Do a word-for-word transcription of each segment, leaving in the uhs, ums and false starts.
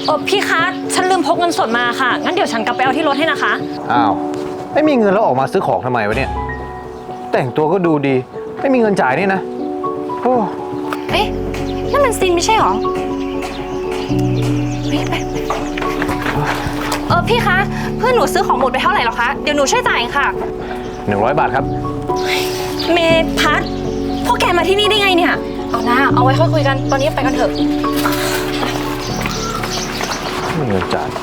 เออพี่คะฉันลืมพกเงินสดมาค่ะงั้นเดี๋ยวฉันกลับไปเอาที่รถให้นะคะอ้าวไม่มีเงินแล้วออกมาซื้อของทำไมวะเนี่ยแต่งตัวก็ดูดีไม่มีเงินจ่ายนี่นะโอ้เอ๊ะนั่นมันซินไม่ใช่หรอไปไปเออพี่คะเพื่อนหนูซื้อของหมดไปเท่าไหร่หรอคะเดี๋ยวหนูช่วยจ่ายค่ะหนึ่งร้อยบาทครับเมพัทพวกแกมาที่นี่ได้ไงเนี่ยเอาหน้าเอาไว้ค่อยคุยกันตอนนี้ไปกันเถอะไม่มีเงินจ่าย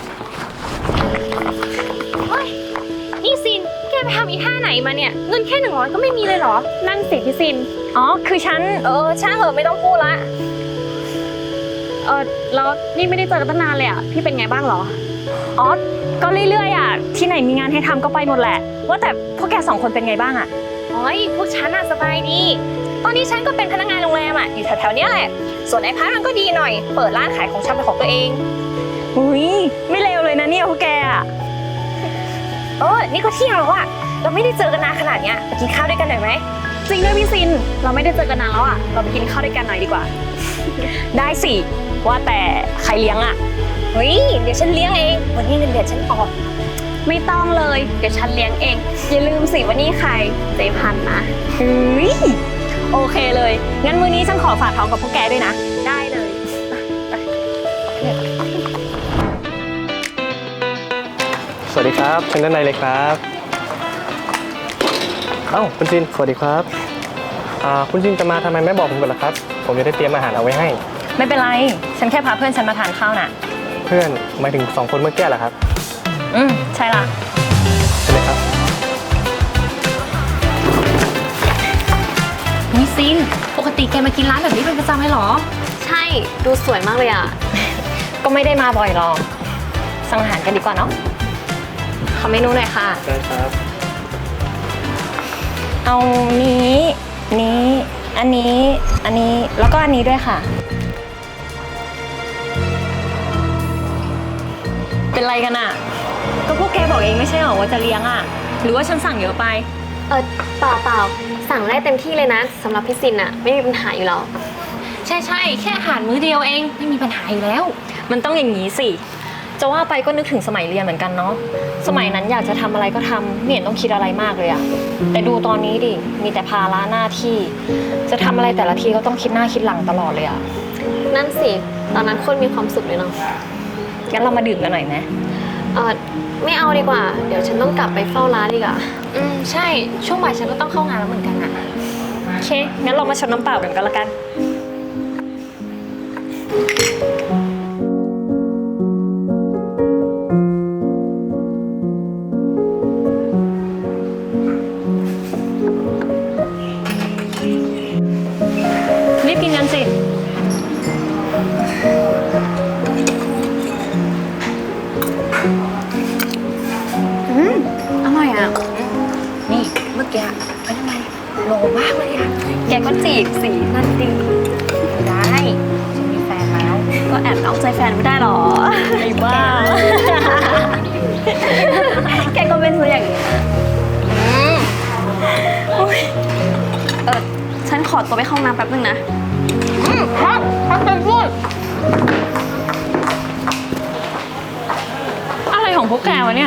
เฮ้ยนี่ซินแกไปทำอีท่าไหนมาเนี่ยเงินแค่หนึ่งร้อยก็ไม่มีเลยเหรอนั่นสิพี่ซินอ๋อคือฉันเออช่างเหอะไม่ต้องพูดละเออแล้วนี่ไม่ได้เจอกันตั้งนานเลยอ่ะพี่เป็นไงบ้างเหรออ๋อก็เรื่อยๆอ่ะที่ไหนมีงานให้ทำก็ไปหมดแหละว่าแต่พวกแกสองคนเป็นไงบ้างอ่ะอ๋อพวกฉันอ่ะสบายดีตอนนี้ฉันก็เป็นพนักงานโรงแรมอ่ะอยู่แถวๆนี้แหละส่วนไอ้พัทมันก็ดีหน่อยเปิดร้านขายของชำเป็นของตัวเองอุ้ยไม่เลวเลยนะเนี่ยพวกแกอ่ะเออนี่ก็เที่ยงแล้วอ่ะเราไม่ได้เจอกันนานขนาดเนี้ยไปกินข้าวด้วยกันหน่อยไหมจริงด้วยพี่ซินเราไม่ได้เจอกันนานแล้วอ่ะเราไปกินข้าวด้วยกันหน่อยดีกว่าได้สิว่าแต่ใครเลี้ยงอ่ะเฮ้ยเดี๋ยวฉันเลี้ยงเองวันนี้เงินเดือนฉันออกไม่ต้องเลยเดี๋ยวฉันเลี้ยงเองอย่าลืมสิว่านี่ใครเจพันนะเฮ้ยโอเคเลยงั้นมื้อนี้ฉันขอฝากท้องกับพวกแกด้วยนะได้เลยสวัสดีครับเชิญด้านในเลยครับเอ้าคุณจินสวัสดีครับอ่าคุณจินจะมาทำไมไม่บอกผมก่อนล่ะครับผมจะได้เตรียมอาหารเอาไว้ให้ไม่เป็นไรฉันแค่พาเพื่อนฉันมาทานข้าวน่ะเพื่อนหมายถึงสองคนเมื่อกี้เหรอครับอืมใช่ละใช่ไหมครับนี่ซินปกติแกมากินร้านแบบนี้เป็นประจำไหมหรอใช่ดูสวยมากเลยอ่ะก็ไม่ได้มาบ่อยหรอกสั่งอาหารกันดีกว่าเนาะขอเมนูหน่อยค่ะได้ครับเอานี้นี้อันนี้อันนี้แล้วก็อันนี้ด้วยค่ะเป็นไรกันอ่ะก็พวกแกบอกเองไม่ใช่หรอว่าจะเลี้ยงอ่ะหรือว่าฉันสั่งเยอะไปเออเปล่าเปล่าสั่งได้เต็มที่เลยนะสำหรับพี่ซินอ่ะไม่มีปัญหาอยู่แล้วใช่ใช่แค่อาหารมื้อเดียวเองไม่มีปัญหาอยู่แล้วมันต้องอย่างนี้สิจะว่าไปก็นึกถึงสมัยเรียนเหมือนกันเนาะสมัยนั้นอยากจะทำอะไรก็ทำไม่เห็นต้องคิดอะไรมากเลยอะแต่ดูตอนนี้ดิมีแต่ภาระหน้าที่จะทำอะไรแต่ละทีก็ต้องคิดหน้าคิดหลังตลอดเลยอะนั่นสิตอนนั้นคนมีความสุขเลยเนาะงั้นเรามาดื่มกันหน่อยไหมเออไม่เอาดีกว่าเดี๋ยวฉันต้องกลับไปเฝ้าร้านดีกว่าอืมใช่ช่วงบ่ายฉันก็ต้องเข้างานแล้วเหมือนกันอะโอเคงั้นเรามาชนน้ำเปล่ากันก็แล้วกันรีบกินกันสิอืมอร่อยอ่ะนี่เมื่อกี้เป็นยังไงโลมากเลยอ่ะแกก็จีบสินั่นดีได้ฉันมีแฟนแล้วก็แอบนอกใจแฟนไม่ได้หรอไอ้บ้าแกก็เป็นตัวอย่างนี้เออฉันขอตัวไปเข้าห้องน้ำแป๊บนึงนะอืมครับพักเป็นพูดอะไรของพวกแกวะเนี่ย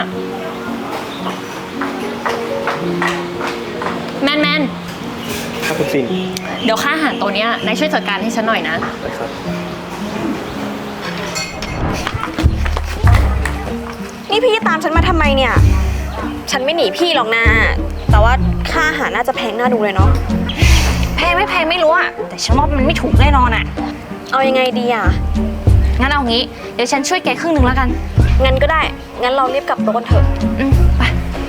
แมนแมนครับคุณซินเดี๋ยวค่าอาหารตัวเนี้ยนายช่วยจัดการให้ฉันหน่อยนะได้ครับนี่พี่ตามฉันมาทำไมเนี่ยฉันไม่หนีพี่หรอกนะแต่ว่าค่าอาหารน่าจะแพงน่าดูเลยเนาะแพงไม่แพงไม่รู้อะแต่ฉันว่ามันไม่ถูกแน่นอนอะเอายังไงดีอะงั้นเอางี้เดี๋ยวฉันช่วยแกครึ่งหนึ่งแล้วกันงั้นก็ได้งั้นเรารีบกลับโต๊ะกันเถอะอืมไป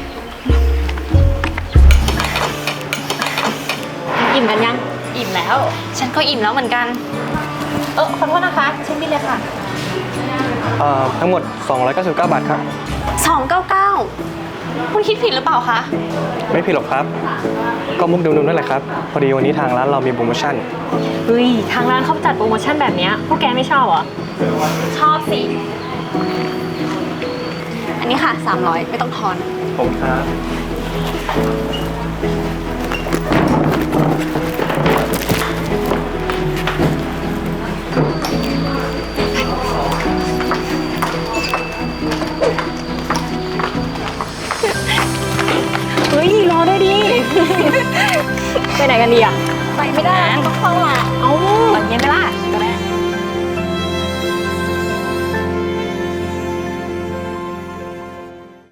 อิ่มกันยังอิ่มแล้วฉันก็อิ่มแล้วเหมือนกันเออขอโทษนะคะเช็คบิลเลยค่ะเอ่อทั้งหมดสองร้อยเก้าสิบเก้าบาทครับสองร้อยเก้าสิบเก้าคุณคิดผิดหรือเปล่าคะไม่ผิดหรอกครับก็มุกดุมๆนั่นแหละครับพอดีวันนี้ทางร้านเรามีโปรโมชั่นเฮ้ยทางร้านเขาจัดโปรโมชั่นแบบนี้พวกแกไม่ชอบเหรอชอบสิอันนี้ค่ะสามร้อยไม่ต้องทอนผมครับไหนกันดีอะไปไม่ได้ต้องเข้ามาเอ้าตอนเย็นไหมล่ะ